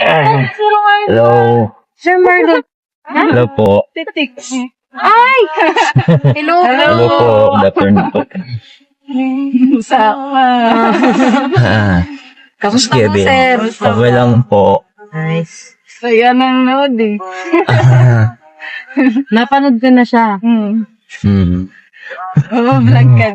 Hello. Sir Marlon. Hello po. Titiks. Ay! Hello. Hello po. Good afternoon po. Sama. Kamusta po, Kevin. sir? Okay lang po. Nice. Kaya nanonood eh. Napanood ko na siya. Oo, vlog ka.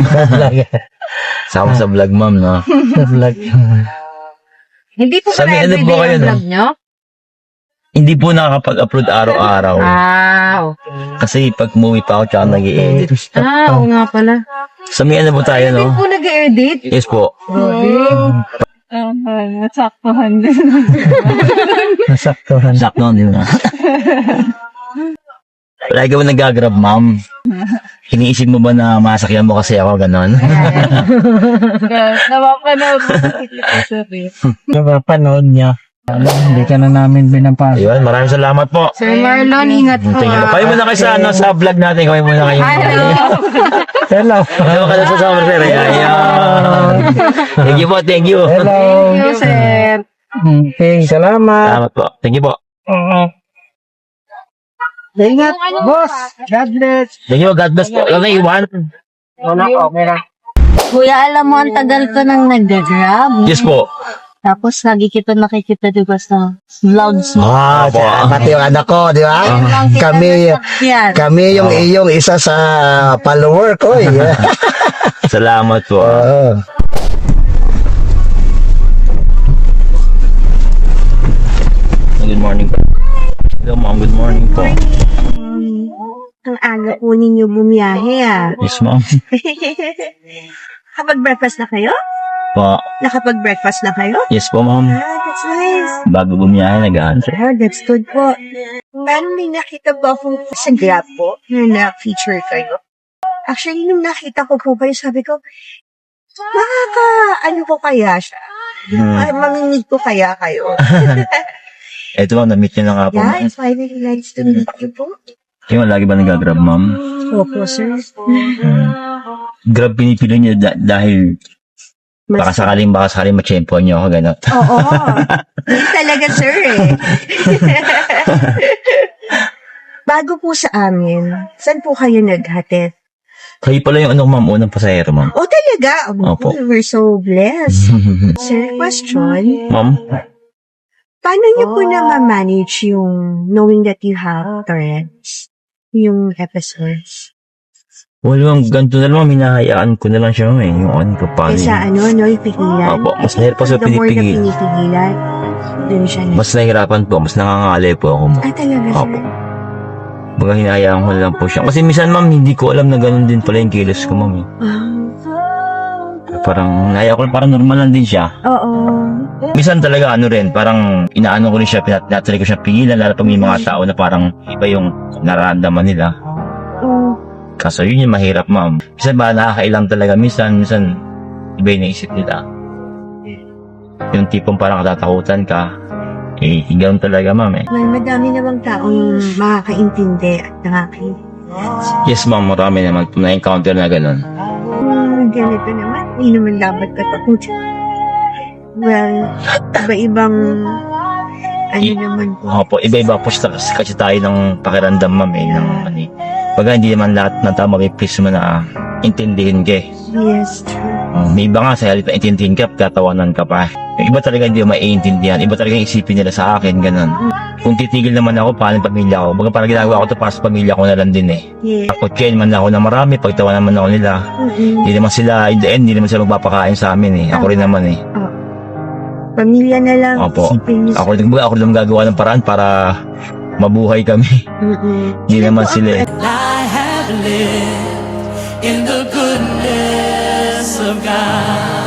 Sama sa vlog, ma'am, no? Sa vlog. Hindi po Sabi, pala ano po everyday kayo, ang no? vlog nyo? Hindi po nakakapag-upload araw-araw. Okay. Kasi pag umuwi pa ako, tsaka nag-i-edit. Oo nga pala. Sa may ano po tayo, no? Hindi po nag-edit. Yes po. Nasaktuhan din. Nasaktuhan. Sakto, di ba? Lagi mo nag-grab, ma'am. Iniisip mo ba na masakyan mo kasi ako, ganon? Napapanood mo sa sir. Napapanood niya. Hindi ka na namin binapasok. Ayun, maraming salamat po. Sir Marlon, ingat po. Thank you. Kayo muna kayo sa, ano, sa vlog natin. Kayo muna kayo. Hello. Hello. Hello ka na sa summer, sir. Ayun. Thank you po, thank you. Hello. Thank you, sir. Okay, salamat. Salamat po. Thank you po. Ingat, boss. God bless. Thank you, God bless po. Ano na iwan? Wala ko, meron. Kuya, alam mo, ang tagal ko nang nag-grab. Yes po. Tapos, lagi kita nakikita diba sa vlogs mo. Po. Pati yung anak ko, di ba? Ayun lang kita Kami- nasakyan. Kami yung iyong isa sa follower ko. Salamat po. Good morning po. Hello, ma'am. Good morning po. Ang aga po ninyo bumiyahe ah. Yes, ma'am. Kapag-breakfast na kayo? Po. Nakapag-breakfast na kayo? Yes po, ma'am. That's nice. Bago bumiyahe, nag-answer. Oh, that's good po. Parang may nakita ba akong sa Grab po na na-feature kayo? Actually, nung nakita ko po kayo, sabi ko, ano ko kaya siya? Mamingid ko kaya kayo? Eto, ma'am, na-meet niyo na nga po. Yeah, it's finally nice to meet you po. Yung lagi ba nag-grab, ma'am? Opo, sir. Grab pinipili niyo dahil baka sakaling matsyempo niyo ako, gano'n. Oo. Yun talaga, sir eh. Bago po sa amin, saan po kayo naghatid? Kayo pala yung ma'am, unang pasahero, ma'am. Oh, talaga? Opo. We're so blessed. Sir, question. Ma'am? Paano niyo po na ma-manage yung knowing that you have Tourette's? Yung episodes? Wala, ma'am, ganito na lang, ma'am, hinahayaan ko na lang siya, ma'am, yung ano ko, paano Kaysa yun. yung pigilan? Opo, mas mahirap pa sa The more na pinipigil. pinipigilan, dun siya na. Mas nahihirapan po, mas nangangalay po ako, ma'am. Talaga, sir? Opo. Baga hinahayaan ko na lang po siya. Kasi minsan, ma'am, hindi ko alam na ganun din pala yung kilos ko, ma'am. Parang, hinahayaan ko, parang normal lang din siya. Oo. Minsan talaga, ano rin, parang inaano ko rin siya, pinatry ko siya pigilan, lalo pag may mga tao na parang iba yung nararamdaman nila. Kaso yun yung mahirap, ma'am. Minsan ba nakakailang talaga, minsan iba yung naisip nila. Yung tipong parang katatakutan ka, ganoon talaga, ma'am, eh. Well, madami namang taong makakaintindi at nakakaintindi. Yes, ma'am, marami naman na-encounter na gano'n. Ganito naman, hindi naman dapat katakutan. Well, iba-ibang naman po. Opo, iba-iba po kasi tayo ng pakiramdam, ma'am, eh. Baga, hindi naman lahat ng tao mapiplis mo na intindihin ka, eh. Yes, true. May iba nga sa halip na intindihin ka, tatawanan ka pa. Yung iba talaga hindi mo maiintindihan. Iba talaga yung isipin nila sa akin, ganun. Kung titigil naman ako, paano yung pamilya ko? Baga parang ginagawa ko to para sa pamilya ko na lang din, eh. Yeah. Ako, chain man ako na marami, pagtawa naman ako nila. Hindi naman sila, in the end, hindi naman sila magpapakain sa amin, eh. Ako rin naman, eh. Pamilya na lang. Opo. Isipin niyo. Ako rin naman gagawa ng paraan para mabuhay kami. Hindi naman sila, eh. I have lived in the goodness of God.